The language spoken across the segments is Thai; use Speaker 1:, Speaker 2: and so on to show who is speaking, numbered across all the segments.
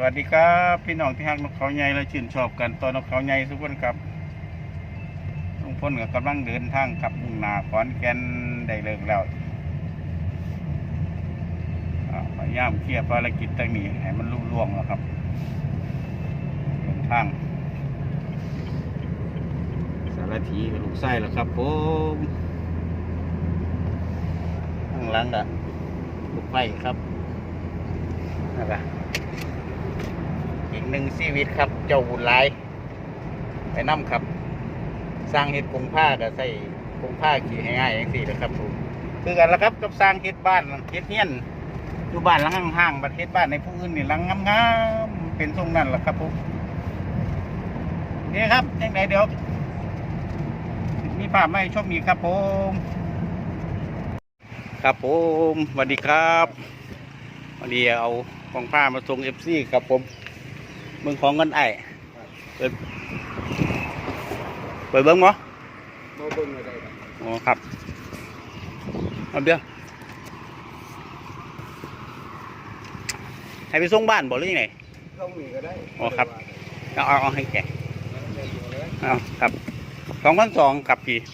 Speaker 1: วัสดีครับพี่น้องที่ฮักนกเขาใหญ่และชื่นชอบกันตัวนกเขาใหญ่ทุกคนครับลุงพลกับกำลังเดินทางกับมุ่งหน้าขอนแก่นได้เลิกแล้วพยายามเคลียร์ภารกิจต่างนี้ให้มันลุล่วงแล้วครับเดินทางสารถีกับลูกไส้แล้วครับผมข้างหลังอะลูกไฟครับนั่นแหละอีกหนึ่งชีวิตครับเจ้าบุญหลายไปน้ำครับสร้างเห็ดกงผ้ากับใส่กงผ้าขี่ง่ายๆอย่างสี่นะครับผมคือกันแล้วครับกับสร้างเห็ดบ้านเห็ดเฮี้ยนอยู่บ้านหลังห่างๆประเทศบ้านในผู้อื่นนี่หลังงามๆเป็นทรงนั้นแหละครับผมนี่ครับยังไงเดี๋ยวมีภาพมาให้ชมอีกครับผมครับผมสวัสดีครับวันนี้เอาของผ้ามาส่งFCครับผมเมืองของกันไอเปิดเบิ้งมั้ง
Speaker 2: เบิ่งอะไรครับ
Speaker 1: อ๋อครับเอาเดี๋ยวให้ไปส่งบ้านบอกหรือยังไง
Speaker 2: ต้องมีก็ได้
Speaker 1: อ๋อครับเอาให้แกเอาครับ2,200ครับพี่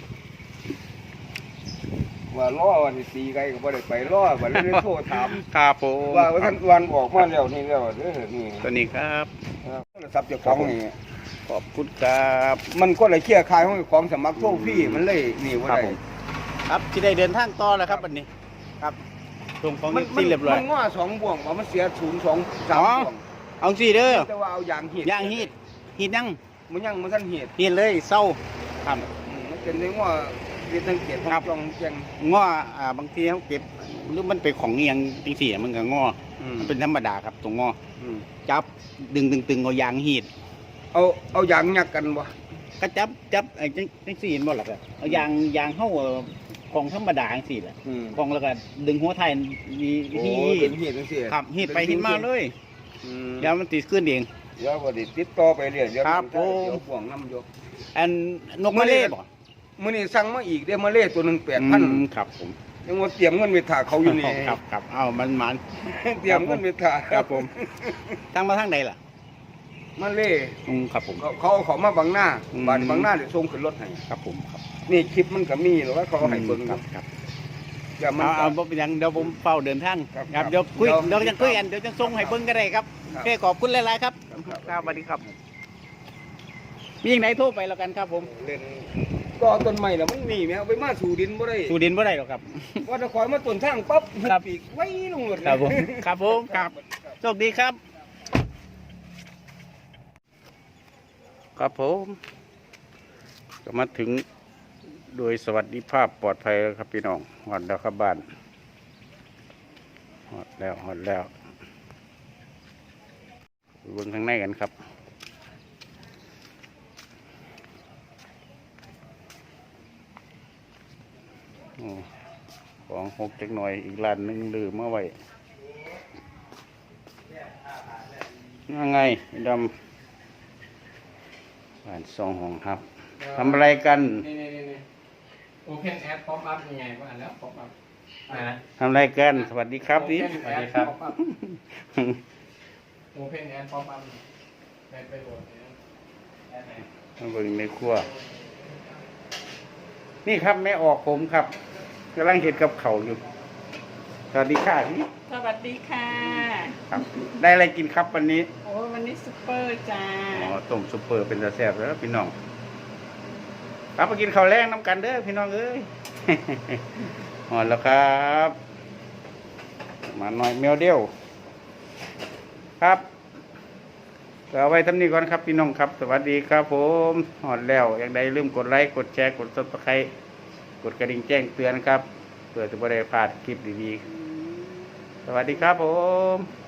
Speaker 2: ว่าล่อวันที่ตีไกลก็บ่ได้ไปล่อวันนี้โทรถาม
Speaker 1: ครับผม
Speaker 2: ว่าท่านวันออกมาแล้วนี่แล้วเด้อนี่
Speaker 1: ตัวนี้ครับ
Speaker 2: โทรศัพท์เจ้าของนี่
Speaker 1: ขอบคุณครับ
Speaker 2: มันก็เลยเคลียร์คายของสมัครโทรฟรีมันเลยนี่ว่าได้
Speaker 1: ครับที่ได้เดินทางต่อแล้วครับวันนี้ครับส่งของที่เรียบร้อย
Speaker 2: มันง้อ2บ่วงว่ามันเสีย0 2 3บ่วง
Speaker 1: เอาสิเด้อ
Speaker 2: แต่ว่าเอายางฮีด
Speaker 1: ยัง
Speaker 2: มันยังมันทันฮีด
Speaker 1: เลยเศร้าครับ
Speaker 2: มันเป็นในง้อที่ตั้งเกียรติของจองแจง
Speaker 1: ง้อบางทีเขาเก็บหรือมันเป็นของเงียงจริงๆมันก็ง้อมันเป็นธรรมดาครับตรงง้อจับดึงตึงเอายางฮีด
Speaker 2: เอายางยักกันวะ
Speaker 1: ก็จับไอ้จังสี่บ่หรอกเอายางเข้าของธรรมดาจังสี่แหละของแล้วก็ดึงหัวไทยฮีดครับฮีดไปฮีดมาเลยเดี๋ยวมันติดขึ้นเอง
Speaker 2: เดี๋ยวก็ติดต่อไปเรื่อยเดี๋ยวห่วงน้ำโย
Speaker 1: อันนกมะเล่บ่
Speaker 2: มื้อนี้สั่งมาอีกได้มะเล่ตัวนึง 8,000
Speaker 1: ครับผม
Speaker 2: ยังว่าเตรียมเงินไปถ่าเขาอยู่นี่
Speaker 1: ครับเอามัน
Speaker 2: เตรียมเงินไปถ่า
Speaker 1: ครับผมทางมาทางใดล่ะ
Speaker 2: มะเล่
Speaker 1: ครับผม
Speaker 2: เขามาบางหน้าบางหน้าเดี๋ยวส่งขึ้นรถให้
Speaker 1: ครับผมครับ
Speaker 2: นี่คลิปมันก็มีหรือว่าเขาให้เบิ่ง
Speaker 1: ครับ
Speaker 2: เอา
Speaker 1: บ่เป็นหยังเดี๋ยวผมเฝ้าเดินทางครับเดี๋ยวจะคุยกันเดี๋ยวจะส่งให้เบิ่งก็ได้ครับโอเคขอบคุณหลายๆครับครับสวัสดีครับมีอย่างไหนโทรไปแล้วกันครับผม
Speaker 2: ก็ต้นใหม่แล้วมันมีไหมเอาไปมาสู่ดินบ่ได้
Speaker 1: หรอกครับ
Speaker 2: ว่าจะคอยมาต้นทางปั๊บหุบปีกไว้ลงหมด
Speaker 1: ครับผมครับโชคดีครับครับผมก็มาถึงโดยสวัสดิภาพปลอดภัยแล้วครับพี่น้องหอดแล้วครับบ้านหอดแล้วเบิ่งข้างในกันครับของหกจักหน่อยอีกร้านนึงลืมเมื่อไว้ยังไงดำบ้านซองห้องครับทำอะไรกัน
Speaker 3: โอเพนแอดป๊อปอัพยังไงว่าแล้วป๊อปอัพ
Speaker 1: ทำอะไรกันสวัสดีครับพี่
Speaker 3: สวัสดีครับโอเพนแอดป๊อปอัพไปโหลด
Speaker 1: มาเบิ่งในครัวนี่ครับแม่ออกผมครับกำลังเห็ดกับเขาอยู่สวัสดีค่ะพี่
Speaker 4: สวัสดีค่ะ
Speaker 1: ครับได้อะไรกินครับวันนี้
Speaker 4: โอ้วันนี้ซุปเปอร์จ้า
Speaker 1: ต้มซุปเปอร์เป็นตาแซ่บแล้วพี่น้องครับมากินข้าวแรงน้ำกันเด้อพี่น้องเอ้ยหอดแล้วครับมาหน่อยแมวเดียวครับเอาไว้ทำนี้ก่อนครับพี่น้องครับสวัสดีครับผมหอดแล้วอย่างใดลืมกดไลค์กดแชร์กดซับสไครต์กดกระดิ่งแจ้งเตือนครับเพื่อจะไม่ได้พลาดคลิปดีๆสวัสดีครับผม